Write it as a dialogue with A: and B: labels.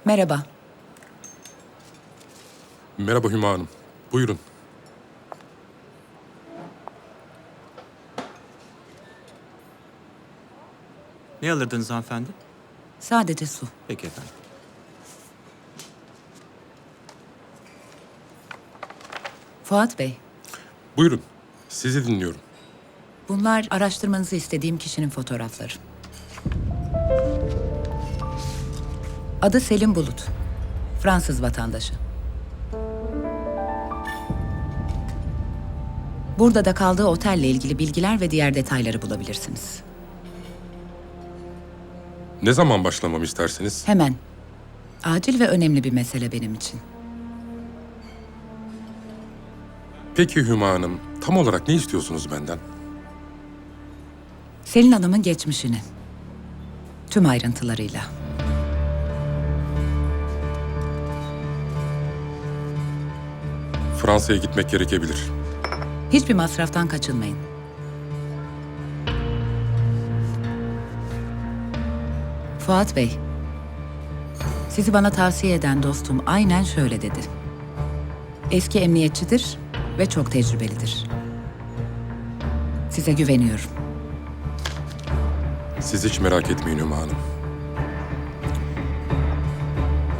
A: Merhaba.
B: Merhaba Hüma Hanım. Buyurun.
C: Ne alırdınız hanımefendi?
A: Sadece su.
C: Peki efendim.
A: Fuat Bey,
B: Buyurun. Sizi dinliyorum.
A: bunlar araştırmanızı istediğim kişinin fotoğrafları. Adı Selim Bulut. Fransız vatandaşı. Burada da kaldığı otelle ilgili bilgiler ve diğer detayları bulabilirsiniz.
B: Ne zaman başlamamı istersiniz?
A: Hemen. Acil ve önemli bir mesele benim için.
B: Peki Hüma Hanım, tam olarak ne istiyorsunuz benden?
A: Selin Hanım'ın geçmişini. Tüm ayrıntılarıyla.
B: Fransa'ya gitmek gerekebilir.
A: Hiçbir masraftan kaçınmayın. Fuat Bey, sizi bana tavsiye eden dostum aynen şöyle dedi. Eski emniyetçidir ve çok tecrübelidir. Size güveniyorum.
B: Siz hiç merak etmeyin Hüma Hanım.